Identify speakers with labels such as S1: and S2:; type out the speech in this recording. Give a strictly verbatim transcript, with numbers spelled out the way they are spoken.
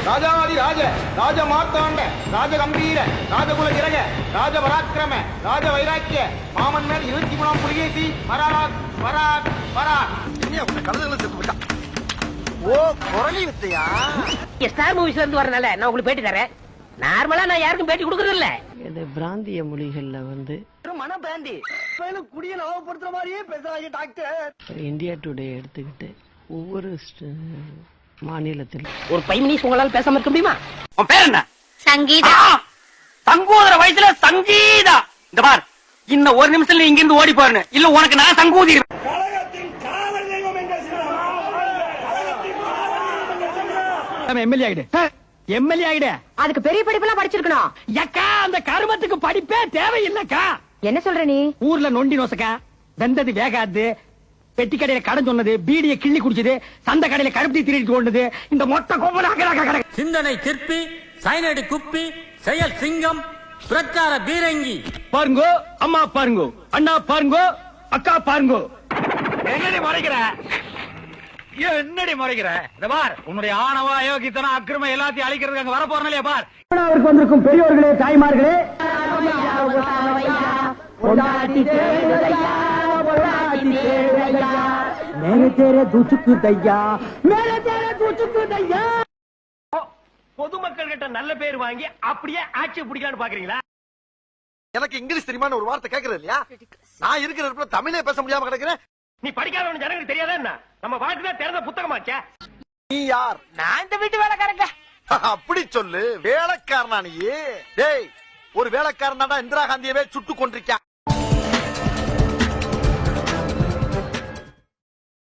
S1: ராஜாதி ராஜ ராஜ மார்த்தாண்ட ராஜ கம்பீர ராஜகுல திரக ராஜ பராக்கிரம ராஜ வைராக்கிய மாமன்னர் இருபத்தி மூணாம் புலிகேசி பராக் பராக் பராக் கலந்துகளை செத்து விட்டான். ஓ குரலி வித்தையா?
S2: ஸ்டார் மூவிஸ்ல இருந்து வரனால நான் உங்களுக்கு பேட்டி தரேன். நார்மலா நான் யாருக்கும் பேட்டி கொடுக்கறது இல்ல.
S3: இந்த பிராந்திய மொழிகள்ல வந்து
S1: மன பிராந்தி குடிய நவப்படுத்துற மாதிரியே பேசுறாங்க டாக்டர்.
S3: இந்தியா டுடே எடுத்துக்கிட்டு ஒவ்வொரு மாநிலத்திலும்
S2: ஒரு ஃபைவ் மினிட்ஸ் உங்களால பேசாம இருக்க முடியுமா?
S4: உன் பேர் என்ன?
S2: சங்கீதா.
S4: சங்கூதர வயசுல சங்கீதா. இந்த பார், இன்னும் ஒரு நிமிஷத்துல இங்க இருந்து ஓடி போறேன்னு இல்ல உனக்கு நான் சங்கூதி.
S5: எம்எல்ஏ ஆயிடு, எம்எல்ஏ ஆயிடு.
S2: அதுக்கு பெரிய படிப்பெல்லாம் படிச்சிருக்கணும்.
S5: அக்கா அந்த கருமத்துக்கு படிப்பே தேவையில்லக்கா.
S2: என்ன சொல்ற நீ?
S5: ஊர்ல நொண்டி நோசக்கா, வெந்தது வேகாது, பெட்டி கடையில கடன் சொன்னது, பீடிய கிள்ளி குடிச்சது, சந்த கடையில கருப்பி திருடிட்டு கொண்டது, இந்த மொத்த கோபம்.
S6: சிந்தனை சிற்பி, சைனடி குப்பி, செயல் சிங்கம், பிரச்சார பீரங்கி.
S5: பாருங்கோ அம்மா, பாருங்கோ அண்ணா, பாருங்கோ அக்கா, பாருங்கோ.
S4: என்னடி முறைக்கிற? என்னடி முறைக்கிற? இந்த பார், உன்னுடைய ஆணவ அயோக்கித்தனம் அக்கிரமம் எல்லாத்தையும் அழிக்கிறதுக்கு அங்க வர போறேன் பார்.
S5: அவருக்கு வந்திருக்கும் பெரியோர்களே, தாய்மார்களே,
S4: பொதுமக்கள் கிட்ட நல்ல பேர் வாங்கி அப்படியே ஆட்சி பிடிக்கலான்னு பாக்குறீங்களா?
S1: எனக்கு இங்கிலீஷ் தெரியுமான்னு ஒரு வார்த்தை கேட்கறது இல்லையா? நான் இருக்கிற இடத்துல தமிழே பேச முடியாம கிடக்குறேன்.
S4: நீ படிக்காதவன் ஜனங்களுக்கு தெரியாதா என்ன? நம்ம வாழ்க்கை திறந்த புத்தகமாச்சே.
S1: நீ யார்?
S2: நான் இந்த வீட்டு வேலைக்காரங்க.
S1: அப்படி சொல்லு. வேலைக்காரனா நீ? டேய், ஒரு வேலைக்காரனாடா இந்திரா காந்தியவே சுட்டு கொண்டிருக்கான்.